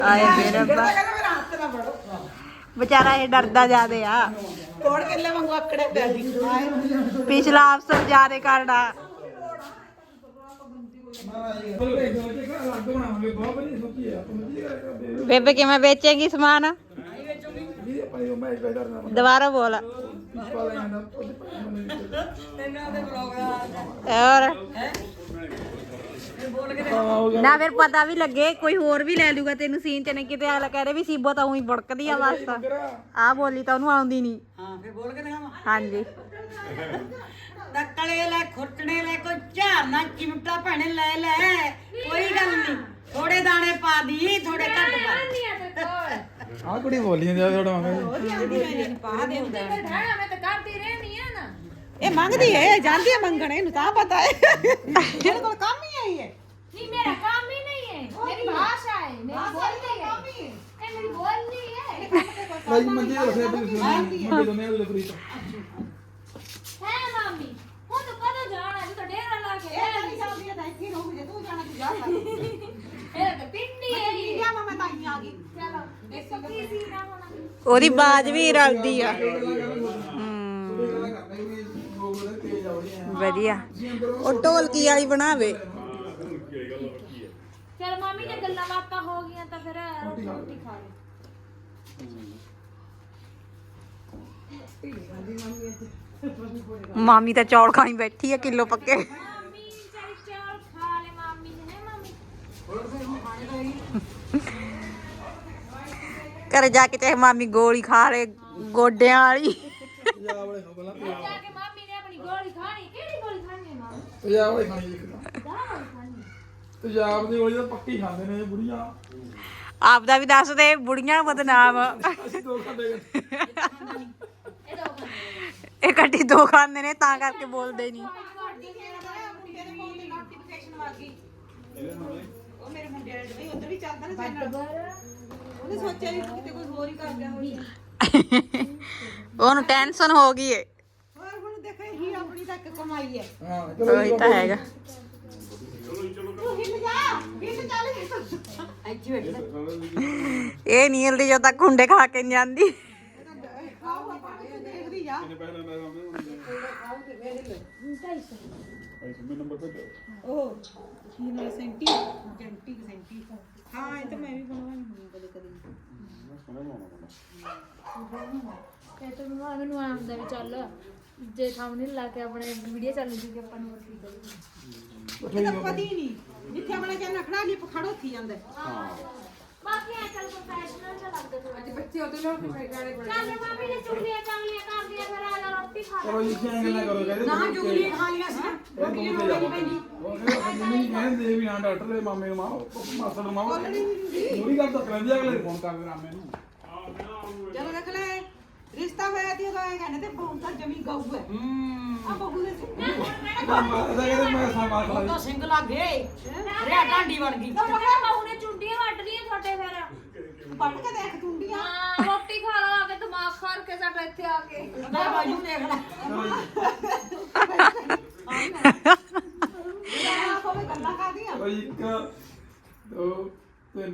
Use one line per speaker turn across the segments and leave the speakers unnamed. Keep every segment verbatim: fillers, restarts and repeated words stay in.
ਆਏ ਮੇਰੇ ਰੱਬਾ बेचारा ये डरदा जादे आ
कोड़ केले वांगू आकड़े पे दी
पिछला अफसर जादे करना बेबे कि मैं बेचेगी सामान दोबारा बोल और ना फिर पता भी लगे कोई होर भी ले लूगा तेन सीन च नहीं किते अगला कह रहे भी सीबो तो उही बुड़कदी आ बस आ बोली तो ओनू आउंदी नहीं
हां फिर बोल के दिखावा
हां जी
दक्कले ले खुरटने ले कोई झारना चिमटा भैने ले ले कोई गल नहीं थोड़े दाने पा दी थोड़े घट पा
आ कुड़ी बोली ਜਾਂਦੀ ਆ ਥੋੜਾ ਮੰਗਦੀ
पा दे हुंदा
मैं तो करती रहनी है ना
ਇਹ ਮੰਗਦੀ ਹੈ ਜਾਂਦੀ ਹੈ ਮੰਗਣ ਇਹਨੂੰ ਤਾਂ ਪਤਾ ਹੈ ਇਹਦੇ ਕੋਲ ਕੰਮ ਹੀ ਆਈ ਹੈ
नहीं मेरा काम ही नहीं है मेरी भाषा है मेरी बोलनी है ये मेरी बोलनी है
ਭਾਈ ਮੰਦੀ ਰੱਖਿਆ ਤੇ ਮੰਦੀ ਦੋਨੇ ਉਹਦੇ ਫਰੀ
है मामी वो तो कदों जाना है तो डेरा ला के
ਇਹ ਨਹੀਂ ਜਾਂਦੀ ਹੈ ਤਾਂ ਇੱਥੇ ਰਹੂਗੀ ਜੇ ਤੂੰ ਜਾਣਾ ਤੂੰ ਜਾ
मेरा तो पिंडी है ये
ਇੰਡੀਆ ਮੈਂ ਤਾਂ ਹੀ ਆ ਗਈ
चलो इसको किसी ना होना
ਉਹਦੀ ਬਾਜ ਵੀ ਰਲਦੀ ਆ ਵਧੀਆ ਉਹ ਢੋਲਕੀ ਵਾਲੀ ਬਣਾਵੇ
चल मामी ने गल्ला बातां हो गई तो फिर रोटी रोटी खा ले
ਮਾਮੀ ਤਾਂ ਚੌਲ ਖਾਈ ਬੈਠੀ ਆ ਕਿਲੋ ਪੱਕੇ
मामी चल चल खा ले मामी ने है मामी
ਘਰੇ ਜਾ ਕੇ ਚਾਹੇ ਮਾਮੀ ਗੋਲੀ ਖਾ ਲੇ ਗੋਡਿਆਂ ਵਾਲੀ
ਪੰਜਾਬ ਵਾਲੇ ਹੋ ਪਹਿਲਾਂ
जाके मामी ने अपनी गोली खानी केड़ी गोली खानी है मामी
ਪੰਜਾਬ ਵਾਲੇ ਖਾਣੀ ਇੱਕ
दाल खानी
ਪੰਜਾਬ ਦੀ ਗੋਲੀ ਤਾਂ ਪੱਕੀ ਖਾਂਦੇ ਨੇ ਇਹ ਬੁੜੀਆਂ
ਆਪਦਾ ਵੀ ਦੱਸ ਦੇ ਬੁੜੀਆਂ ਬਦਨਾਮ
ਅਸੀਂ ਦੋ ਖਾਂਦੇ
ये दो खानी
ਇਹ ਕੱਟੀ ਦੋ ਖਾਂਦੇ ਨੇ ਤਾਂ ਕਰਕੇ ਬੋਲਦੇ ਨਹੀਂ
ਮੁੰਡੇ ਦੇ ਫੋਨ ਦੀ ਨੋਟੀਫਿਕੇਸ਼ਨ ਆ ਗਈ ਉਹ ਮੇਰੇ ਮੁੰਡੇ ਦੇ ਵੀ ਉਧਰ ਵੀ ਚੱਲਦਾ ਨਾ ਚੈਨਲ ਉਹਨੇ ਸੋਚਿਆ ਵੀ ਕਿਤੇ ਕੋਈ ਹੋਰ ਹੀ ਕਰ ਗਿਆ ਹੋਵੇ
ਉਹਨੂੰ ਟੈਨਸ਼ਨ ਹੋ ਗਈ ਏ
ਹੋਰ ਹੁਣ ਦੇਖੋ ਹੀ ਆਪਣੀ ਤੱਕ ਕਮਾਈ ਹੈ
ਹਾਂ
ਉਹੀ ਤਾਂ ਹੈਗਾ
ਤੂੰ ਹਿੱਲ ਜਾ ਹਿੱਲ ਚੱਲ ਇੱਥੇ ਬੈਠ
ਇਹ ਨਹੀਂ ਹਿਲਦੀ ਜਦੋਂ ਤੱਕ ਹੁੰਡੇ ਖਾ ਕੇ ਨਹੀਂ ਜਾਂਦੀ
ਖਾਓ ਆਪਾਂ ਦੇਖਦੀ ਜਾ ਉਹ ਕੀ ਨਾ ਸੈਂਟੀ ਕੈਂਟੀ ਸੈਂਟੀ ਹਾਂ ਇਹ ਤਾਂ ਮੈਂ ਵੀ ਬਣਵਾਉਣੀ ਹੁੰਦੀ ਕਦੇ ਕਦੇ
ਤੇ ਤੂੰ ਮੈਨੂੰ ਆਉਂਦਾ ਵੀ ਚੱਲ ਜੇ ਸਾਹਮਣੇ ਲਾ ਕੇ ਆਪਣੇ ਵੀਡੀਓ ਚੱਲ ਜੂਗੀ ਆਪਾਂ ਨੂੰ ਰੋਟੀ ਦੇ
ਇਹ ਤਾਂ ਪਤਾ ਹੀ ਨਹੀਂ ਜਿੱਥੇ ਆਪਣਾ ਕਹਿੰਦਾ ਖੜਾ ਨਹੀਂ ਪਖੜ ਉੱਥੀ ਜਾਂਦਾ
ਬਾਕੀ ਆ ਚੱਲ ਪ੍ਰੋਫੈਸ਼ਨਲ ਜਿਹਾ ਲੱਗਦਾ ਥੋੜਾ
ਅੱਜ ਬੱਚੇ ਉਹਦੇ ਨਾਲ ਗਾਣੇ
ਚੱਲ ਮਾਮੀ ਨੇ ਚੁਗਲੀਆਂ ਚਾਂਗਲੀਆਂ ਕਰਦੀਆਂ ਫਿਰ ਆ ਜਾ ਰੋਟੀ ਖਾ ਲੈ
ਚਲੋ ਜੀ ਕਿਆ ਗੱਲਾਂ ਕਰੋ ਕਹਿੰਦੇ
ਨਾ ਜੁਗਲੀ ਖਾ ਲਿਆ ਸੀ ਨਾ ਰੋਟੀ ਨੂੰ ਨਹੀਂ ਪੈਂਦੀ
ਉਹ ਕਹਿੰਦੇ ਕਹਿੰਦੇ ਵੀ ਹਾਂ ਡਾਕਟਰ ਦੇ ਮਾਮੇ ਨੂੰ ਮਾਂ ਮਾਸੜ ਨੂੰ ਮਾਂ ਪੂਰੀ ਗੱਲ ਤਾਂ ਕਰਾਂਦੇ ਅਗਲੇ ਫੋਨ ਕਰਦੇ ਰਾਮੇ ਨੂੰ
ਚਲੋ ਦੇਖ ਲੈ ਰਿਸ਼ਤਾ ਹੋਇਆ ਤੀ ਉਹਦਾ ਇਹ ਕਹਿੰਦੇ ਤੇ ਬਹੁਤ ਤਾਂ ਜਮੀ ਗਊ ਹੈ ਆ ਬਹੂ ਦੇ
ਮਾਤਾ ਕਹਿੰਦੇ ਮੈਂ ਸਾਮਾ ਖਾ ਲਈ
ਸਿੰਘ ਲੱਗੇ ਰਿਆ ਢਾਂਡੀ ਬਣ ਗਈ
ਤਾਂ ਮੈਂ ਬਹੂ ਨੇ ਚੁੰਡੀਆਂ ਵੱਢ ਲੀਆਂ ਤੁਹਾਡੇ ਫਿਰ
ਵੱਢ ਕੇ ਦੇਖ ਤੁੰਡੀਆਂ
ਹਾਂ ਰੋਟੀ ਖਾ ਲਾ ਆ ਕੇ ਦਿਮਾਗ ਖਾਰ ਕੇ ਸਾਡਾ ਇੱਥੇ ਆ ਕੇ
ਮੈਂ ਬਾਜੂ ਦੇਖ ਲੈ ਇਹ ਕੋਲੇ ਗੱਲਾਂ ਕਰਦੀਆਂ
ਚਲੋ ਜੀ ਇੱਕ ਦੋ ਤਿੰਨ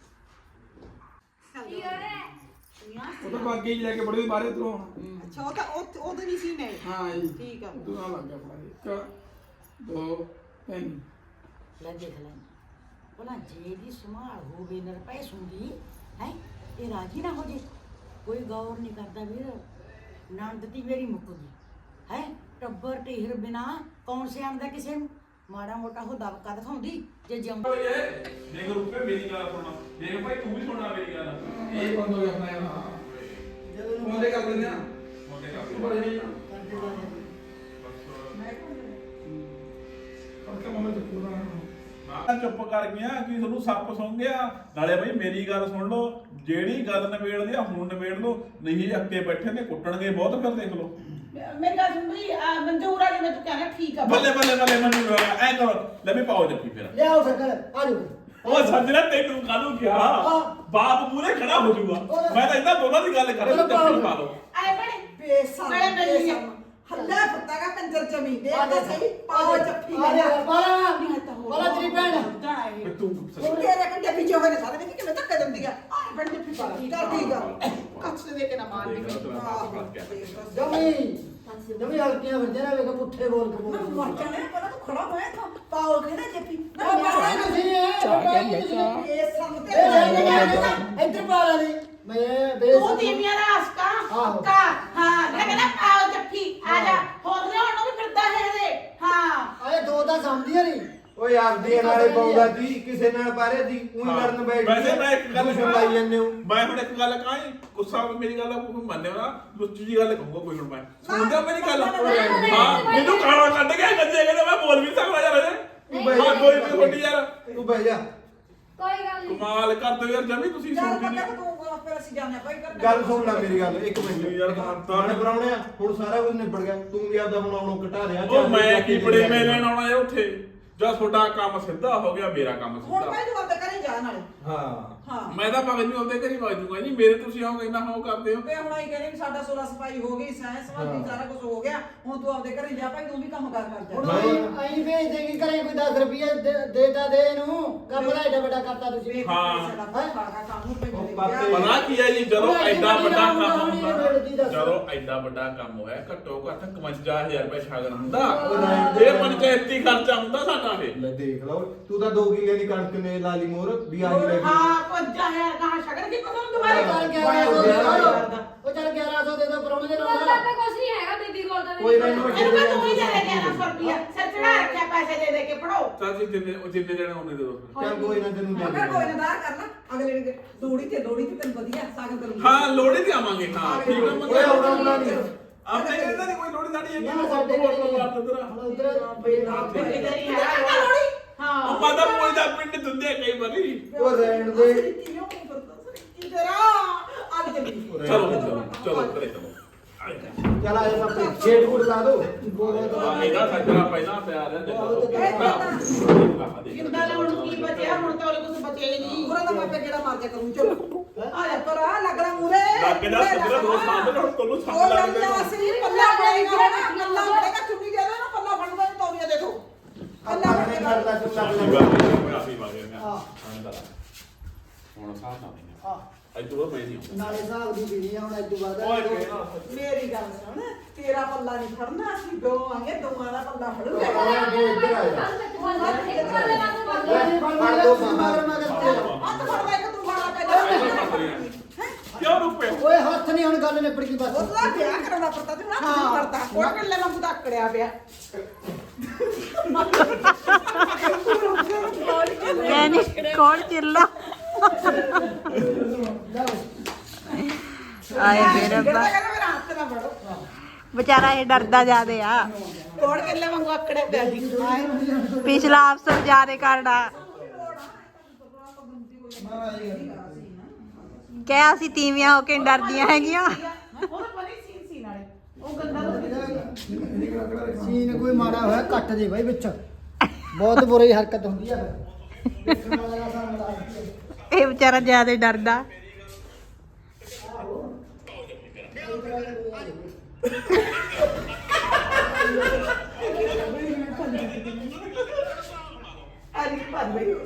ਕੀ ਹੋ ਰਿਹਾ
ਉਹ ਤਾਂ ਬਾਕੀ ਲੈ ਕੇ ਬੜੇ ਬਾਹਰ ਉਧਰੋਂ
ਅੱਛਾ ਉਹ ਤਾਂ ਉਹ ਉਹਦੇ ਨਹੀਂ ਸੀ ਨੇ
ਹਾਂ ਜੀ
ਠੀਕ ਆ
ਤੂੰ ਆ ਲੱਗ ਗਿਆ ਫੜਾ ਇੱਕ ਦੋ ਤਿੰਨ
ਲੈ ਦੇਖ ਲੈ ਬੋਲਾ ਜੇ ਦੀ ਸੰਭਾਲ ਹੋਵੇ ਨਰਪੈ ਸੁੰਦੀ ਹੈ ਇਹ ਰਾਜੀ ਨਾ ਹੋ ਜੇ ਕੋਈ ਗੌਰ ਨਹੀਂ ਕਰਦਾ ਵੀਰ ਨੰਦਤੀ ਮੇਰੀ ਮੁੱਕ ਗਈ ਹੈ ਟੱਬਰ ਢੇਰ ਬਿਨਾ ਕੌਣ ਸਿਆਣਦਾ ਕਿਸੇ ਨੂੰ ਮਾੜਾ ਮੋਟਾ ਹੋ ਦਬਕਾ ਦਿਖਾਉਂਦੀ ਜੇ ਜਿਉਂਦਾ
ਦੇਖ ਰੂਪੇ ਮੇਰੀ ਗੱਲ ਸੁਣਨਾ ਦੇਖ ਭਾਈ ਤੂੰ ਵੀ ਸੁਣਨਾ ਮੇਰੀ ਗੱਲ
ਇਹ ਬੰਦ ਹੋ ਗਿਆ ਆਪਣਾ ਯਾਰ ਮੋਦੇ ਕਰ ਦਿੰਦੇ ਆ
ਮੋਟੇ ਕਰ
ਬੜੇ ਨਹੀਂ ਕਰਕੇ ਮਮੇ ਤੋਂ ਪੂਰਾ
ਮੈਂ ਚੁੱਪ ਕਰ ਗਿਆ ਕਿ ਤੁਹਾਨੂੰ ਸੱਪ ਸੁਣ ਗਿਆ ਨਾਲੇ ਭਾਈ ਮੇਰੀ ਗੱਲ ਸੁਣ ਲਓ ਜਿਹੜੀ ਗੱਲ ਨਿਬੇੜਦੀ ਆ ਹੁਣ ਨਿਬੇੜ ਲਓ ਨਹੀਂ ਅੱਕੇ ਬੈਠੇ ਨੇ ਕੁੱਟਣਗੇ ਬਹੁਤ ਫਿਰ ਦੇਖ ਲਓ
ਮੇਰੀ ਗੱਲ ਸੁਣ ਲਈ ਮਨਜ਼ੂਰ ਆ ਜਿਵੇਂ ਤੂੰ ਕਹਿੰਦਾ ਠੀਕ ਆ
ਬੱਲੇ ਬੱਲੇ ਬੱਲੇ ਮੈਨੂੰ ਐ ਕਰੋ ਲੈ ਵੀ ਪਾਓ ਜੱਫੀ ਫਿਰ
ਲਿਆਓ ਸ਼ੱਕਰ ਆ ਜਾਓ
ਉਹ ਸੱਜਣਾ ਤੈਨੂੰ ਕਾਹਨੂੰ ਕਿਹਾ ਬਾਪ ਮੂਹਰੇ ਖੜਾ ਹੋ ਜਾਊਗਾ ਮੈਂ ਤਾਂ ਇਹਨਾਂ ਦੋਨਾਂ ਦੀ ਗੱਲ ਕਰ ਰਿਹਾ ਜੱਫੀ ਪਾ ਲਓ
ਆਏ ਬੜੇ
ਬੇਸਮ
ਬੜੇ ਬੜੇ
ਹੱਲਾ ਫੁੱਟਾਗਾ ਕੰਜਰ ਜਮੀ ਦੇ ਤਾਂ ਸਹੀ ਪਾਓ ਜੱਫੀ
ਆ
ਲੈ
ਜਾ ਬਾਲਾ
ਨਹੀਂ ਤਾਂ ਹੋਰ
ਬਾਲਾ ਤੇਰੀ ਭੈਣ
ਵੀ ਤੂੰ
ਉਹ ਤੇਰੇ ਕੰਡੇ ਪਿੱਛੇ ਹੋਏ ਨੇ ਸਾਰੇ ਵਿੱਚ ਕਿਵੇਂ ਧੱਕੇ ਦਿੰਦੀ ਆ ਆ ਬਣ ਜੱਫੀ ਪਾ ਚੱਲ ਠੀਕ ਆ ਕੱਚ ਤੇ ਦੇ ਕੇ ਨਾ ਮਾਰ
ਦੇਖ ਲਾ ਤੇਰਾ
ਆਹੋ,
ਬਾਪ ਕਿਆ
ਦੇਖ ਲਾ।
ਜਮੀ ਜਮੀ ਹਲਕੀਆਂ ਵਰਦੇ ਨਾ ਵੇਖ ਪੁੱਠੇ ਬੋਲ ਕੇ
ਮੈਂ
ਬੋਲ
ਮਰ ਜਾਣਾ ਪਹਿਲਾਂ ਤੂੰ ਖੜਾ ਹੋਇਆ ਤਾਂ ਪਾਓ ਕਹਿੰਦਾ ਜੱਫੀ ਨਾ
ਉਹ
ਮਾਰ
ਬਾਲਾ ਤੁਸੀਂ ਇਹ
ਇਹ ਸੰਗ ਤੇ
ਇੱਧਰ ਬਾਲਾ ਨਹੀਂ ਮੈਂ ਬੇਸ
ਤੂੰ ਤੀਵੀਆਂ ਦਾ ਆਸਕਾ
ਆਹੋ।
ਕਾ ਹਾਂ ਮੈਂ ਕਹਿੰਦਾ ਆਓ ਜੱਫੀ ਆ ਜਾ ਹੋਰ ਲਿਆਉਣ ਨੂੰ ਵੀ ਫਿਰਦਾ ਹੈ ਇਹਦੇ ਹਾਂ
ਆਏ ਦੋ ਤਾਂ ਸਮਝਦੀਆਂ ਨਹੀਂ
ਓਏ ਆਪਦੀ ਨਾਲੇ ਪਾਉਂਦਾ ਜੀ ਕਿਸੇ ਨਾਲ ਪਾਰੇ ਦੀ ਉਹੀ ਲੜਨ ਬੈਠ
ਵੈਸੇ ਮੈਂ ਇੱਕ ਗੱਲ
ਦੂਸ਼ਣ ਲਾਈ ਜਾਂਦੇ ਹੋ
ਮੈਂ ਹੁਣ ਇੱਕ ਗੱਲ ਕਹਾਂ ਜੀ, ਗੁੱਸਾ ਹੋਵੇ ਮੇਰੀ ਗੱਲ ਕੋਈ ਮੰਨਿਓ ਨਾ ਲੁੱਚੀ ਜੀ ਗੱਲ ਕਹੂੰਗਾ ਕੋਈ ਹੁਣ ਮੈਂ ਸੁਣਦਾ ਮੇਰੀ ਗੱਲ ਹਾਂ ਮੈਨੂੰ ਗਾਲਾਂ ਕੱਢ ਕੇ ਗੱਜੇ ਕਹਿੰਦੇ ਮੈਂ ਬੋਲ ਵੀ ਨੀ ਸਕਦਾ ਯਾਰ
ਤੂੰ ਬਹਿ
ਹਾਂ
ਜਾ
ਕੋਈ ਵੀ ਵੱਡੀ ਯਾਰ
ਤੂੰ ਬਹਿ ਜਾ
ਕੋਈ ਗੱਲ ਨਹੀਂ
ਕਮਾਲ ਕਰਦੇ ਹੋ ਯਾਰ ਜਮੀ ਤੁਸੀਂ
ਚੱਲ
ਸੁਣਦੀ
ਪੱਕਾ
ਨਹੀਂ
ਤੂੰ ਆਪੇ ਅਸੀਂ ਜਾਣਿਆ ਭਾਈ ਕਰ
ਗੱਲ ਸੁਣ ਲੈ ਮੇਰੀ ਗੱਲ ਇੱਕ ਮਿੰਟ
ਯਾਰ ਤਾਂ-
ਤਾਣੇ ਪਰਾਉਣਿਆ ਹੁਣ ਸਾਰਾ ਕੁਝ ਨਿਬੜ ਗਿਆ ਤੂੰ ਵੀ ਆਪਦਾ ਹੁਣ ਆਉਣੋਂ ਘਟਾ ਰਿਹਾ
ਉਹ ਮੈਂ ਕੀ ਬੜੇ ਮੈਂ ਲੈਣ ਆਉਣਾ ਯਾਰ ਉੱਥੇ ਜਦ ਤੁਹਾਡਾ ਕੰਮ ਸਿੱਧਾ ਹੋ ਗਿਆ ਮੇਰਾ ਕੰਮ
ਹੁਣ
ਸਿੱਧਾ
ਭਾਈ ਤੂੰ ਆਪਦੇ ਘਰੇ ਜਾ ਨਾਲੇ
ਹਾਂ
ਹਾਂ
ਮੈਂ ਤਾਂ ਭਾਵੇਂ ਨਹੀਂ ਆਉਂਦੇ ਘਰੀ ਵਗ ਜੂਗਾ ਜੀ ਮੇਰੇ ਤੁਸੀਂ ਆਓ ਇੰਨਾ ਹੋ ਕਰਦੇ ਹੋ
ਤੇ ਹੁਣ ਆਈ ਕਹਿੰਦੇ ਵੀ ਸਾਡਾ ਸੋਲਾ ਸਫਾਈ ਹੋ ਗਈ ਸਾਇੰਸ ਵਾਲੀ ਸਾਰਾ ਕੁਝ ਹੋ ਗਿਆ ਹੁਣ ਤੂੰ ਆਪਦੇ ਘਰੇ ਜਾ ਭਾਈ ਤੂੰ ਵੀ ਕੰਮ ਕਰ ਕਰ
ਹੁਣ
ਜਾ
ਆਈ ਭੇਜ ਦੇਗੀ ਘਰੇ ਕੋਈ ਦਸ ਰੁਪਏ ਦੇਤਾ ਦੇ ਇਹਨੂੰ ਕੰਮ ਦਾ ਏਡਾ ਵੱਡਾ ਕਰਤਾ ਤੁਸੀਂ
ਹਾਂ।
ਸਾਡਾ ਭਾਗਾ ਕੰਮ ਨੂੰ
ਉਹ
ਪਈ
ਪਾਪੇ
ਪਤਾ ਕੀ ਹੈ ਜੀ ਜਦੋਂ
ਉਹ ਐਡੀ
ਐਡਾ
ਵੱਡੀ
ਵੱਡਾ
ਰਕਮ
ਕੰਮ
ਹੋਣੀ ਹੈ,
ਹੁੰਦਾ
ਮਿਲਦੀ ਦੱਸ।
ਜਦੋਂ ਐਡਾ ਵੱਡਾ ਕੰਮ ਹੋਇਆ ਘੱਟੋ ਘੱਟ ਇਕਵੰਜਾ ਹਜ਼ਾਰ ਰੁਪਏ ਸ਼ਗਨ ਹੁੰਦਾ
ਉਹ
ਇਹ ਪੰਚਾਇਤੀ ਖਰਚਾ ਹੁੰਦਾ ਸਾਡਾ ਇਹ
ਲੈ ਦੇਖ ਲਓ ਤੂੰ ਤਾਂ ਦੋ ਕਿੱਲੇ ਦੀ ਕਣਕ ਨੇ ਲਾ ਲਈ ਮੋਰ ਵੀ ਆ ਗਈ ਲੈ ਗਈ
ਹਾਂ ਪੰਜਾ ਹੈ ਕਹਾ ਸ਼ਗਨ ਕੀ ਪਤਾ
ਉਹ
तुम्हारे
ਚੱਲ ਗਿਆਰਾਂ ਸੌ ਦੇ ਦਿਓ ਉਹ ਚੱਲ ਗਿਆਰਾਂ ਸੌ ਦੇ ਦੋ ਪਰੋਣੇ ਦੇ
ਕੋਲ
ਨਾਲ
ਤਾਂ ਕੁਝ ਨਹੀਂ ਹੈਗਾ ਬੀਬੀ ਕੋਲ ਤਾਂ
ਕੋਈ ਗੱਲ ਨੀ,
ਇਹਨੂੰ ਕਹ ਤੂੰ ਹੀ ਦੇ ਦੇ ਗਿਆਰਾਂ ਸੌ ਰੁਪਇਆ ਸਿਰ ਚੜਾ ਰੱਖਿਆ ਪੈਸੇ ਦੇ ਦੇ ਕੇ ਪੜੋ
ਤਾਂ ਜੀ ਜਿੰਨੇ ਉਹ ਜਿੰਨੇ ਜਣੇ ਉਹਨੇ ਦੇ ਦੋ
ਚੱਲ ਕੋਈ ਨਾ ਤੈਨੂੰ ਦੇ
ਮੈਂ ਕੋਈ
ਦੇ
ਨਾ ਦਾਰ ਕਰਨਾ ਅਗਲੇ ਨੇ ਲੋੜੀ ਤੇ ਲੋੜੀ ਤੇ ਤੈਨੂੰ ਵਧੀਆ ਸਾਗ ਕਰੂੰਗੀ
ਹਾਂ ਲੋੜੀ ਤੇ ਆਵਾਂਗੇ ਹਾਂ ਠੀਕ ਹੈ
ਓਏ ਆਉਣਾ ਆਉਣਾ ਨਹੀਂ
ਆਪਣੇ ਕਹਿੰਦੇ ਨਹੀਂ ਕੋਈ ਲੋੜੀ ਸਾਡੀ ਹੈਗੀ
ਨਾ ਸਾਡੇ
ਕੋਲ
ਕੋਲ
ਮਾਰ ਦਿੰਦਾ
ਹੁਣ ਉਧਰ
ਕਿਧਰ ਹੀ ਹੈ ਲੋੜੀ ਹਾਂ
ਉਹ ਮਾਦਾ ਕੋਈ ਦਾ ਪਿੰਡ ਦਿੰਦੇ ਕਈ ਵਾਰੀ
ਉਹ ਰਹਿਣ ਦੇ
ਕਿਉਂ ਨਹੀਂ ਕਰਦਾ ਸਰ ਤੇਰਾ ਆ ਚੱਲੀ
ਚਲੋ ਚਲੋ ਚਲੋ ਕਰੇ ਚਲੋ
ਚੱਲ ਆ ਜਾ ਪਾਪੇ ਛੇੜ ਗੁੜ ਲਾ ਦੋ
ਆ ਇਹਦਾ ਸੱਜਣਾ ਪਹਿਲਾਂ ਪਿਆ ਰਿਹਾ
ਜਿੰਦਾ ਹੁਣ ਕੀ ਬਚਿਆ ਹੁਣ ਤਾਂ ਉਹਦੇ ਕੁਝ ਬਚਿਆ ਹੀ ਨਹੀਂ
ਪੂਰਾ ਤਾਂ ਮੈਂ ਪੇ ਕਿਹੜਾ ਮਾਰ ਜਾ ਕਰੂੰ ਚਲੋ ਆ ਜਾ ਪਰ ਆ ਲੱਗਣਾ ਮੂਰੇ
ਲੱਗ ਜਾ ਸੱਜਣਾ ਦੋ ਸਾਹਮਣੇ ਹੁਣ ਤੁਹਾਨੂੰ
ਉਹ
ਸੰਗ ਲੱਗ
ਲੱਗਦਾ ਅਸੀਂ ਪੱਲਾ ਫੜੇਗਾ ਨਾ ਪੱਲਾ ਫੜੇਗਾ ਚੁੰਨੀ ਦੇ ਨਾ ਪੱਲਾ ਫੜਦਾ ਨਹੀਂ ਤੌਲੀਆ ਦੇਖੋ ਪੱਲਾ
ਆਪਣੇ
ਫੜੇਗਾ
ਘਰ ਦਾ ਚੁੱਲਾ
ਆਪੀ ਵਾਗੇ ਮੈਂ ਹੁਣ ਸਾਹ ਨਾ
ਹਾਂ
ਅੱਜ ਤੋਂ ਮੈਂ ਨਹੀਂ
ਨਾਲੇ ਹਿਸਾਬ ਦੀ ਪੀਣੀ ਆ ਹੁਣ ਅੱਜ ਤੋਂ ਬਾਅਦ
ਓਏ
ਮੇਰੀ ਗੱਲ ਸੁਣ ਤੇਰਾ ਪੱਲਾ ਨਹੀਂ ਫੜਨਾ ਅਸੀਂ ਦੋ ਆਂਗੇ ਦੋਵਾਂ ਦਾ ਪੱਲਾ ਫੜੂਗਾ
ਆਇਆ ਦੋ ਇੱਧਰ ਆ ਜਾ
ਫੜ ਦੋ ਮਗਰ ਮਗਰ ਤੇ
ਹੱਥ ਫੜਦਾ ਇੱਕ ਤੂੰ ਫੜਾ ਪਹਿਲਾਂ
ਕਿਉਂ ਰੁਪਏ
ਓਏ ਹੱਥ ਨਹੀਂ ਹੁਣ ਗੱਲ ਨਿਬੜ ਗਈ ਬਸ
ਉਹਦਾ ਵਿਆਹ ਕਰਾਉਣਾ ਪੜਦਾ ਤੇ ਹੱਥ ਨਹੀਂ ਫੜਦਾ ਕੋੜ ਕੱਲੇ ਵਾਂਗੂ ਤਾਂ ਅਕੜਿਆ ਪਿਆ
ਕਹਿੰਦੀ ਕੌਣ ਚਿੱਲਾ ਆਏ ਮੇਰੇ
ਜਿਹੜਾ
ਰੱਬਾ
ਕਹਿੰਦਾ ਮੇਰਾ ਹੱਥ ਨਾ ਫੜੋ
ਵਿਚਾਰਾ ਇਹ ਡਰਦਾ ਜਾਦੇ ਆ
ਕੋੜ ਕੱਲੇ ਵਾਂਗੂ ਅਕੜਿਆ ਪਿਆ ਸੀ
ਪਿਛਲਾ ਅਫਸਰ ਜਾਦੇ ਕਰਦਾ ਕਹਿਆ ਅਸੀਂ ਤੀਵੀਆਂ ਹੋ ਕੇ ਡਰਦੀਆਂ ਹੈਗੀਆਂ
ਉਹ ਤਾਂ ਬੜੀ ਸੀਨ ਸੀ ਨਾਲੇ ਉਹ ਗੰਦਾ
ਸੀਨ ਕੋਈ ਮਾੜਾ ਹੋਇਆ ਕੱਟ ਦੇ ਬਾਈ ਵਿੱਚ ਬਹੁਤ ਬੁਰੀ ਹਰਕਤ ਹੁੰਦੀ ਆ ਫਿਰ ਦੇਖਣ ਵਾਲਾ ਦਾ ਸਾਹਮਣੇ ਲਾ ਦਿੱਤੀ ਆ।
ਇਹ ਵਿਚਾਰਾ ਜਿਆਦਾ ਡਰਦਾ
ਅੱਜ ਭਰ ਬਈ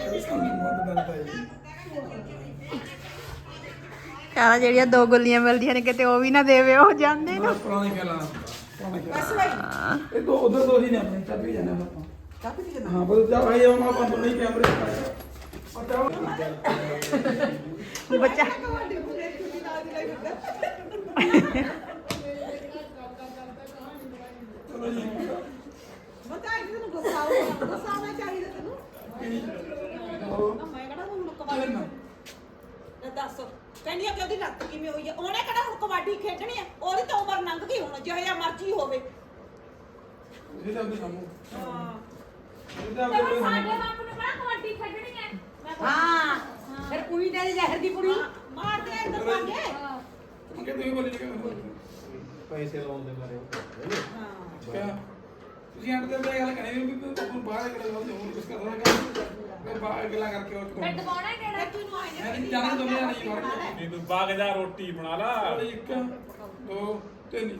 ਕਹਿੰਦਾ ਜਿਹੜੀਆਂ ਦੋ ਗੁੱਲੀਆਂ ਮਿਲਦੀਆਂ ਨੇ ਕਿਤੇ ਉਹ ਵੀ ਨਾ ਦੇਵੇ ਉਹ ਜਾਂਦੇ ਨਾ
ਪੁਰਾਣੀ ਗੱਲਾਂ
ਬਸ ਬਈ
ਇਹ ਦੋ ਉਧਰ ਦੋ ਹੀ ਨੇ ਆਪਣੇ ਚੱਪੀ ਜਾਣਾ ਆਪਾਂ
ਕਾਪੀ ਤੇ
ਹਾਂ ਬਸ ਜਾ ਭਾਈ ਉਹ ਆਪਾਂ ਤੋਂ ਨਹੀਂ ਕੈਮਰੇ ਪਤਾ
ਬੱਚਾ
ਬਤਾ ਕਿ ਤੈਨੂੰ ਗੁੱਸਾ ਆਉਗਾ ਗੁੱਸਾ ਆਉਣਾ ਚਾਹੀਦਾ ਤੈਨੂੰ ਨਾ ਮੈਂ ਕਿਹੜਾ ਹੁਣ ਕਬੱਡੀ ਨਾ ਦੱਸ ਕਹਿੰਦੀ ਆ ਕਿ ਉਹਦੀ ਰੱਤ ਕਿਵੇਂ ਹੋਈ ਆ ਉਹਨੇ ਕਿਹੜਾ ਹੁਣ ਕਬੱਡੀ ਖੇਡਣੀ ਆ ਉਹਦੀ ਤਾਂ ਉਮਰ ਲੰਘ ਗਈ ਹੁਣ ਜਿਹੋ ਜਿਹਾ ਮਰਜ਼ੀ ਹੋਵੇ
ਇਹ ਤਾਂ ਕੰਮ
ਹਾਂ
ਇਹ ਤਾਂ
ਸਾਡੇ ਬਾਪ ਨੂੰ ਕਿਹੜਾ ਕਬੱਡੀ ਖੇਡਣੀ ਹੈ ਮੈਂ ਕਿਹਾ,
ਹਾਂ ਫਿਰ ਕੁੜੀ ਦੇ ਜ਼ਹਿਰ ਦੀ ਕੁੜੀ
ਮਾਰਦੇ ਆ ਇੱਧਰ ਭਾਗੇ
ਹਾਂ।
ਮੰਗੇ ਤੁਸੀਂ ਬੋਲੀ ਜਗੇ
ਪੈਸੇ ਲਾਉਣ ਦੇ ਬਾਰੇ
ਹਾਂ
ਕਿਆ ਤੁਸੀਂ ਅੰਦਰ ਦੇ ਗੱਲ ਕਰੇ ਵੀ ਤੂੰ ਬਾਹਰ ਗੱਲ ਹੋ ਜਾਊ ਕੁਝ ਕਰ ਰਹਾ ਮੈਂ ਬਾਹਰ ਗੱਲਾਂ ਕਰਕੇ ਉਹ
ਮੈਂ ਦਬਾਉਣਾ ਕਿਹੜਾ
ਤੈਨੂੰ ਆਏ
ਮੈਂ ਨਹੀਂ ਜਾਣ ਦੁਨੀਆ ਨਹੀਂ ਵੜ
ਤੂੰ ਬਾਗ ਜਾ ਰੋਟੀ ਬਣਾ ਲਾ
ਇੱਕ ਦੋ ਤਿੰਨ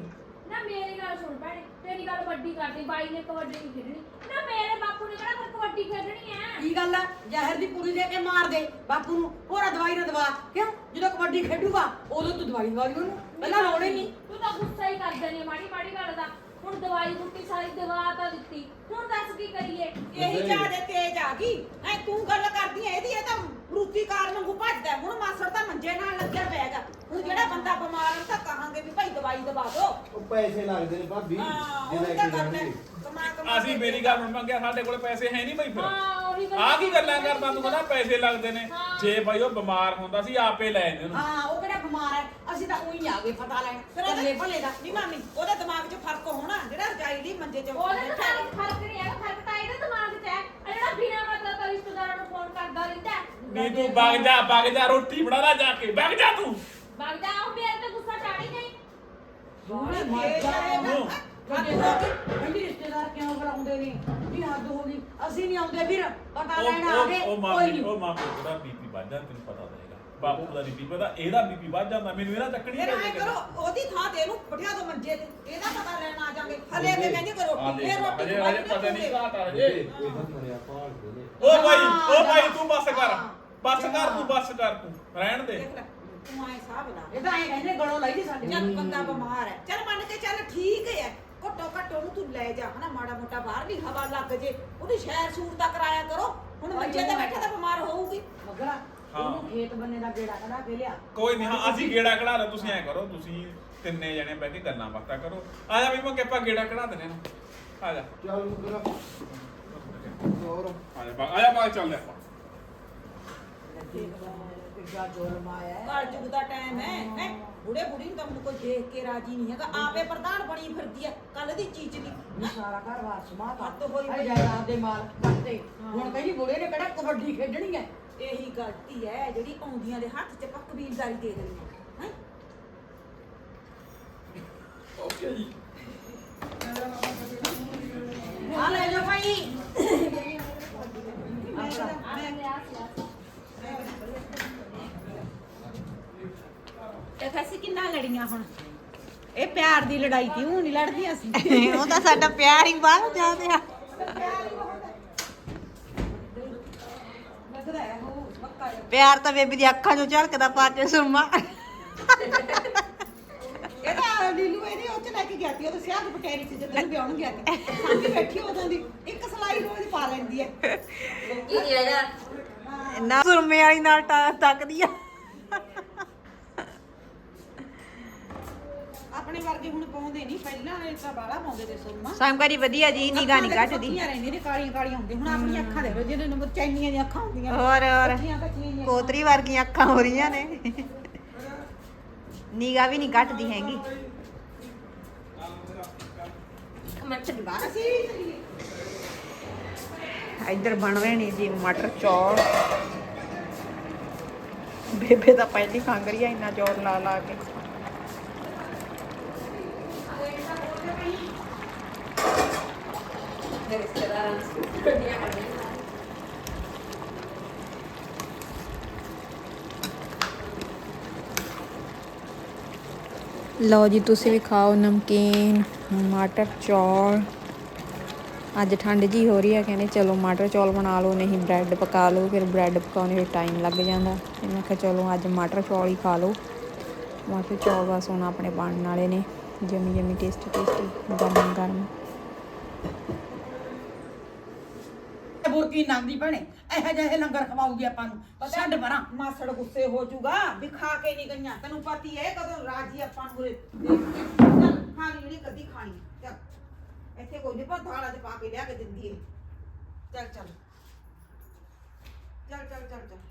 ਨਾ ਮੇਰੀ ਗੱਲ ਸੁਣ ਭੈਣੇ, ਤੇਰੀ ਗੱਲ ਵੱਡੀ ਕਰਦੀ, ਬਾਈ ਨੇ ਕਬੱਡੀ ਨਹੀਂ ਖੇਡਣੀ ਨਾ, ਮੇਰੇ ਬਾਪੂ ਨੇ ਕਿਹੜਾ ਫਿਰ ਕਬੱਡੀ ਖੇਡਣੀ ਐ।
ਕੀ ਗੱਲ ਆ ਜ਼ਹਿਰ ਦੀ ਪੂਰੀ ਦੇ ਕੇ ਮਾਰ ਦੇ ਬਾਪੂ ਨੂੰ, ਹੋਰਾ ਦਵਾਈ ਨਾ ਦਵਾ ਕਿਉਂ, ਜਦੋਂ ਕਬੱਡੀ ਖੇਡੂਗਾ ਉਦੋਂ ਤੂੰ ਦਵਾਈ ਦਵਾ ਦੀ ਉਹਨੂੰ, ਪਹਿਲਾਂ ਲੋੜ ਹੀ ਨਹੀਂ।
ਤੂੰ ਤਾਂ ਗੁੱਸਾ ਹੀ ਕਰ ਦਿੰਦੀ ਮਾੜੀ ਮਾੜੀ ਗੱਲ ਦਾ। ਹੁਣ ਦਵਾਈ ਬੁੱਟੀ ਸਾਰੀ ਦਵਾ ਤਾਂ ਦਿੱਤੀ, ਹੁਣ ਦੱਸ ਕੀ ਕਰੀਏ।
ਇਹੀ ਜਿਆਦੇ ਤੇਜ਼ ਆ ਗਈ ਐ ਤੂੰ ਗੱਲ ਕਰਦੀ ਐ, ਇਹਦੀ ਇਹ ਤਾਂ ਰੂਤੀ ਕਾਰ ਵਾਂਗੂ ਭੱਜਦਾ। ਹੁਣ ਮਾਸੜ ਤਾਂ ਮੰਜੇ ਨਾਲ ਲੱਗਿਆ ਪਿਆਗਾ, ਹੁਣ ਜਿਹੜਾ ਬੰਦਾ ਬਿਮਾਰ ਹੈ ਤਾਂ ਕਹਾਂਗੇ ਵੀ ਭਾਈ ਦਵਾਈ ਦਵਾ ਦੋ।
ਉਹ ਪੈਸੇ ਲੱਗਦੇ ਨੇ ਭਾਬੀ
ਹਾਂ
ਜੇ
ਉਹ
ਲੈ
ਤਾਂ
ਕੇ
ਕਰਨਾ
ਜਾਣਗੇ।
ਕਮਾ ਕਮਾ
ਅਸੀਂ ਮੇਰੀ ਗੱਲ ਹੁਣ ਮੰਗਿਆ, ਸਾਡੇ ਕੋਲ ਪੈਸੇ ਹੈ ਨਹੀਂ ਬਈ ਫਿਰ।
ਹਾਂ ਉਹੀ ਗੱਲ
ਆਹ ਕੀ ਗੱਲਾਂ ਕਰਦਾ ਤੂੰ, ਕਹਿੰਦਾ ਪੈਸੇ ਲੱਗਦੇ ਨੇ।
ਹਾਂ।
ਜੇ ਬਾਈ ਉਹ ਬਿਮਾਰ ਹੁੰਦਾ ਸੀ ਆਪੇ ਲੈ ਜਾਂਦੇ ਉਹਨੂੰ।
ਹਾਂ ਉਹ ਕਿਹੜਾ ਬਿਮਾਰ ਹੈ, ਅਸੀਂ ਤਾਂ ਉਹੀ ਆ ਗਏ ਪਤਾ ਲੈਣ ਕੱਲੇ ਭਲੇ ਦਾ।
ਨਹੀਂ ਮਾਮੀ ਉਹਦੇ ਦਿਮਾਗ 'ਚ ਫਰਕ ਹੋਣਾ, ਜਿਹੜਾ ਰਜਾਈ ਲਈ ਮੰਜੇ 'ਚ
ਉਹਦੇ ਦਿਮਾਗ 'ਚ ਫਰਕ ਨਹੀਂ ਹੈਗਾ, ਫਰਕ ਤਾਂ ਇਹਦੇ ਦਿਮਾਗ 'ਚ ਹੈ। ਆ ਜਿਹੜਾ ਬਿਨਾਂ ਮਤਲਬ ਤੋਂ ਰਿਸ਼ਤੇਦਾਰਾਂ ਨੂੰ ਫੋਨ ਕਰਦਾ ਰਹਿੰਦਾ ਹੈ।
ਵੀ ਤੂੰ ਵਗ ਜਾ ਵਗ ਜਾ, ਰੋਟੀ ਬਣਾ ਲੈ ਜਾ ਕੇ, ਵਗ ਜਾ ਤੂੰ।
ਵਗ ਜਾ, ਉਹ ਮੇਰੇ ਤੇ ਗੁੱਸਾ ਚਾੜੀ ਨਹੀਂ।
ਸੋਹਣੇ ਮਰ ਜਾ ਕਹਿੰਦੀ ਰਿਸ਼ਤੇਦਾਰ ਕਿਉਂ ਬੁਲਾਉਂਦੇ ਨੇ, ਵੀ ਹੱਦ ਹੋ ਗਈ, ਅਸੀਂ ਨਹੀਂ ਆਉਂਦੇ ਵੀਰ, ਪਤਾ ਲੈਣ ਆ ਗਏ।
ਉਹ ਉਹ
ਕੋਈ
ਮਾਮੀ
ਨਹੀਂ
ਉਹ ਮਾਮੀ ਦਾ ਬੀਪੀ ਵੱਧ ਜਾਂਦਾ, ਤੈਨੂੰ ਪਤਾ ਹੋਏਗਾ। ਬਾਪੂ ਦਾ ਬੀਪੀ ਵਧਾ, ਇਹਦਾ ਬੀਪੀ ਵੱਧ ਜਾਂਦਾ, ਮੈਨੂੰ ਇਹਦਾ ਚੱਕਣੀ
ਫਿਰ ਐ ਕਰੋ ਉਹਦੀ ਥਾਂ ਤੇ ਇਹਨੂੰ ਬਿਠਾ ਦੋ ਮੰਜੇ ਤੇ, ਇਹਦਾ ਪਤਾ ਲੈਣ ਆ ਜਾਗੇ। ਹਲੇ ਤੇ ਕਹਿੰਦੇ ਕਿ ਰੋਟੀ ਇਹ ਰੋਟੀ
ਹਜੇ
ਖਵਾਈ
ਹਜੇ ਪਤਾ ਨਹੀਂ
ਨਾ
ਘਾਟ ਆ ਹਜੇ।
ਕੋਈ ਤਾਂ ਮਰਿਆ ਭਾਲਦੇ ਨੇ।
ਉਹ ਭਾਈ ਉਹ ਭਾਈ ਤੂੰ ਬੱਸ ਕਰ, ਬੱਸ ਕਰ ਤੂੰ, ਬੱਸ ਕਰ ਤੂੰ, ਰਹਿਣ ਦੇ।
ਦੇਖ ਲੈ ਤੂੰ ਐ ਸਾਹ ਬਣਾ
ਇਹ ਤਾਂ ਐਂ ਕਹਿੰਦੇ ਗਲੋਂ ਲਈ ਦੀ ਸਾਡੇ
ਜਦ ਬੰਦਾ ਬਿਮਾਰ ਹੈ ਚੱਲ ਮੰਨ ਕੇ ਚੱਲ ਠੀਕ ਹੈ, ਘੱਟੋ ਘੱਟ ਉਹਨੂੰ ਤੂੰ ਲੈ ਜਾ ਹਨਾ, ਮਾੜਾ ਮੋਟਾ ਬਾਹਰਲੀ ਹਵਾ ਲੱਗ ਜੇ, ਉਹਦੀ ਸੈਰ ਸੂਰ ਤਾਂ ਕਰਾਇਆ ਕਰੋ। ਹੁਣ ਮੰਜੇ ਤੇ ਬੈਠਾ ਤਾਂ ਬਿਮਾਰ ਹੋਊਗੀ।
ਮਗਰਾ ਉਹਨੂੰ ਖੇਤ ਬੰਨੇ ਦਾ ਗੇੜਾ ਕਢਾ ਕੇ ਲਿਆ।
ਕੋਈ ਨਹੀਂ, ਹਾਂ ਅਸੀਂ ਗੇੜਾ ਕਢਾ ਲੈ, ਤੁਸੀਂ ਐ ਕਰੋ, ਤੁਸੀਂ ਤਿੰਨੇ ਜਣੇ ਬਹਿ ਕੇ ਗੱਲਾਂ ਬਾਤਾਂ ਕਰੋ। ਆ ਜਾ ਵੀ ਮੈਂ ਕਿਹਾ ਗੇੜਾ ਕਢਾ ਦਿੰਦੇ ਨੇ, ਆ ਜਾ
ਚੱਲ ਮੁਕਰਾ ਹੋਰ
ਆ ਜਾ ਆ ਜਾ ਬਾਹਰ ਚੱਲਦੇ ਆਪਾਂ।
ਕਿੱਡਾ ਜ਼ੁਲਮ ਆਇਆ ਹੈ।
ਕਾਲ ਯੁੱਗ ਦਾ ਟਾਈਮ ਹੈ ਹੈ ਬੁੜੇ ਬੁੜੀ ਨੂੰ ਤਾਂ ਹੁਣ ਕੋਈ ਦੇਖ ਕੇ ਰਾਜੀ ਨਹੀਂ ਹੈਗਾ, ਆਪੇ ਪ੍ਰਧਾਨ ਬਣੀ ਫਿਰਦੀ ਹੈ ਕੱਲ ਦੀ ਚੀਜ਼ ਦੀ।
ਇਹ ਸਾਰਾ ਘਰ ਵਾਰ ਸਮਾ
ਹੱਦ ਹੋਈ
ਪਈ
ਪਈ।
ਜਾਇਦਾਦ ਦੇ ਮਾਲ ਕਰਤੇ। ਹੁਣ ਕਹਿੰਦੀ ਬੁੜੇ ਨੇ ਕਿਹੜਾ ਕਬੱਡੀ ਖੇਡਣੀ ਹੈ।
ਇਹੀ ਗਲਤੀ ਹੈ ਜਿਹੜੀ ਆਉਂਦੀਆਂ ਦੇ ਹੱਥ 'ਚ ਆਪਾਂ ਕਬੀਲਦਾਰੀ ਦੇ ਦਿੰਦੇ ਹਾਂ ਹੈਂ।
ਓਕੇ ਜੀ
ਆ ਲੈ ਜਾ ਭਾਈ।
ਇਹ ਫੈਸੀ ਕਿੰਨਾ ਲੜੀਆਂ ਹੁਣ, ਇਹ ਪਿਆਰ ਦੀ ਲੜਾਈ ਸੀ, ਉਹ ਨਹੀਂ ਲੜਦੀਆਂ ਸੀ।
ਉਹ ਤਾਂ ਸਾਡਾ ਪਿਆਰ ਹੀ ਬਾਹਰ ਜਾ ਰਿਹਾ।
ਲੱਗਦਾ ਹੈ ਉਹ ਪੱਕਾ ਜਿਹਾ।
ਪਿਆਰ ਤਾਂ ਬੇਬੀ ਦੀ ਅੱਖਾਂ 'ਚੋਂ ਝਲਕਦਾ ਪਾਚੇ ਸੁਰਮਾ।
ਇਹ ਤਾਂ ਲੀਲੂ ਇਹਦੇ ਉਹ 'ਚ ਲੈ ਕੇ ਗਿਆ ਸੀ, ਉਹ ਤਾਂ ਸਿਆਹ ਦੀ ਪਟੇਰੀ ਸੀ ਜਦੋਂ ਵਿਆਹਣ ਗਿਆ ਸੀ। ਸਾਡੀ ਬੈਠੀ ਉਦੋਂ ਦੀ ਇੱਕ ਸਲਾਈ ਰੋਜ਼ ਪਾ ਲੈਂਦੀ ਹੈ।
ਨਾ ਸੁਰਮੇ ਵਾਲੀ ਨਾਲ ਟਾ- ਤੱਕਦੀ ਆ।
ਆਪਣੇ ਵਰਗੇ ਹੁਣ ਪਾਉਂਦੇ ਨਹੀਂ, ਪਹਿਲਾਂ ਵਾਲੇ ਤਾਂ ਬਾਲਾ ਪਾਉਂਦੇ ਤੇ ਸੁਰਮਾ।
ਸਮਕਾਰੀ ਵਧੀਆ ਜੀ, ਨਿਗਾ ਨਹੀਂ ਘਟਦੀ।
ਕੱਚੀਆਂ ਰਹਿੰਦੀਆਂ ਨੇ, ਕਾਲੀਆਂ ਕਾਲੀਆਂ ਹੁੰਦੀਆਂ। ਹੁਣ ਆਪਣੀਆਂ ਅੱਖਾਂ ਦੇ ਜਿਹਨਾਂ ਨੂੰ ਚੈਨੀਆਂ ਦੀਆਂ ਅੱਖਾਂ ਹੁੰਦੀਆਂ
ਹੋਰ ਹੋਰ
ਕੱਚੀਆਂ ਕੱਚੀਆਂ ਜਿਹੀਆਂ।
ਕੋਤਰੀ ਵਰਗੀਆਂ ਅੱਖਾਂ ਹੋ ਰਹੀਆਂ ਨੇ, ਨਿਗਾ ਵੀ ਨਹੀਂ ਘਟਦੀ ਹੈਗੀ।
ਅਸੀਂ ਵੀ ਚੱਲੀਏ।
ਇੱਧਰ ਬਣ ਰਹੇ ਨੇ ਜੀ ਮਟਰ ਚੌਲ। ਬੇਬੇ ਤਾਂ ਪਹਿਲੀ ਖੰਗ ਰਹੀ ਆ ਇੰਨਾ ਜ਼ੋਰ ਲਾ ਲਾ ਕੇ। ਲਓ ਜੀ ਤੁਸੀਂ ਵੀ ਖਾਓ ਨਮਕੀਨ ਮਟਰ ਚੌਲ। ਅੱਜ ਠੰਡ ਜੀ ਹੋ ਰਹੀ ਹੈ, ਕਹਿੰਦੇ ਚਲੋ ਮਟਰ ਚੌਲ ਬਣਾ ਲਓ, ਨਹੀਂ ਬ੍ਰੈਡ ਪਕਾ ਲਓ। ਫਿਰ ਬ੍ਰੈਡ ਪਕਾਉਣੇ ਵਿੱਚ ਟਾਈਮ ਲੱਗ ਜਾਂਦਾ, ਤੇ ਮੈਂ ਕਿਹਾ ਚਲੋ ਅੱਜ ਮਟਰ ਚੌਲ ਹੀ ਖਾ ਲਓ। ਮਟਰ ਚੌਲ ਬਸ ਹੁਣ ਆਪਣੇ ਬਣਨ ਵਾਲੇ ਨੇ, ਜਮੀ ਜਮੀ ਟੇਸਟੀ ਟੇਸਟੀ ਗਰਮ ਗਰਮ।
ਬੁਰਕੀ ਨਾਂਦੀ ਭੈਣੇ ਇਹੋ ਜਿਹੇ ਲੰਗਰ ਖਵਾਉਗੀ ਆਪਾਂ ਨੂੰ। ਛੱਡ ਪਰਾਂ।
ਮਾਸੜ ਗੁੱਸੇ ਹੋ ਜਾਊਗਾ ਵੀ ਖਾ ਕੇ ਨਹੀਂ ਗਈਆਂ, ਤੈਨੂੰ ਪਤੀ ਹੈ ਕਦੋਂ ਰਾਜੀ ਆਪਾਂ ਨੂੰ ਉਰੇ ਦੇਖ ਕੇ। ਚੱਲ ਖਾਣੀ ਜਿਹੜੀ ਕਦੀ ਖਾਣੀ ਹੈ। ਚੱਲ ਇੱਥੇ ਕੋਈ ਨਹੀਂ ਪਾ ਥਾਲਾ ਚ ਪਾ ਕੇ ਲਿਆ ਕੇ ਦਿੰਦੀ ਹੈ। ਚੱਲ ਚੱਲ ਚੱਲ ਚੱਲ ਚੱਲ ਚੱਲ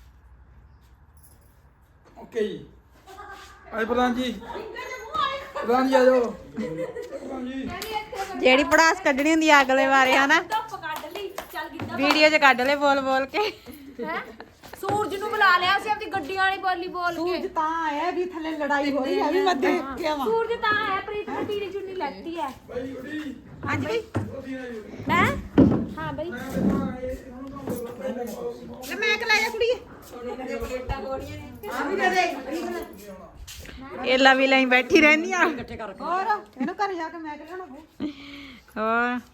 ਓਕੇ ਜੀ ਆਏ ਪ੍ਰਧਾਨ ਜੀ, ਪ੍ਰਧਾਨ ਜੀ ਆ ਜਾਓ। ਪ੍ਰਧਾਨ ਜੀ
ਜਿਹੜੀ ਪੜਾਸ ਕੱਢਣੀ ਹੁੰਦੀ ਆ ਅਗਲੇ ਬਾਰੇ ਹਨਾ,
ਧੁੱਪ ਕੱਢ ਲਈ, ਚੱਲ ਗਿੱਧਾ
ਵੀਡੀਓ 'ਚ ਕੱਢ ਲੈ ਬੋਲ ਬੋਲ ਕੇ।
ਹੈ ਸੂਰਜ ਨੂੰ ਬੁਲਾ ਲਿਆ ਸੀ, ਆਪਣੀ ਗੱਡੀ ਵਾਲੀ ਬੋਲੀ ਬੋਲ
ਸੂਰਜ
ਕੇ।
ਤਾਂ ਆਇਆ ਵੀ ਥੱਲੇ ਲੜਾਈ ਹੋ ਰਹੀ ਹੈ ਵੀ ਮੈਂ ਦੇਖ ਕੇ ਆਵਾਂ।
ਸੂਰਜ ਤਾਂ ਹੈ, ਪ੍ਰੀਤ ਨੇ ਪੀਲੀ ਚੁੰਨੀ ਲੈਤੀ ਹੈ।
ਬਾਈ ਉਡੀ
ਹਾਂਜੀ ਬਈ
ਉਹਦੀ ਨਾ ਜੀ
ਮੈਂ ਹਾਂ ਬਈ
ਮੈਂ ਦੇਖਾਂ ਇਹ ਉਹਨੂੰ ਤਾਂ
ਲੈ ਮੈਂ ਕਿ ਲੈ ਜਾ ਕੁੜੀਏ।
ਆ ਵੀ ਦੇ ਦੇ।
ਏਲਾ ਵੀ ਲਈ ਬੈਠੀ ਰਹਿੰਦੀ ਆ
ਇਕੱਠੇ ਕਰ ਰੱਖੇ
ਹੋਰ ਇਹਨੂੰ ਘਰ ਜਾ ਕੇ ਮੈਂ ਕਿ ਲੈਣਾ
ਹੋਰ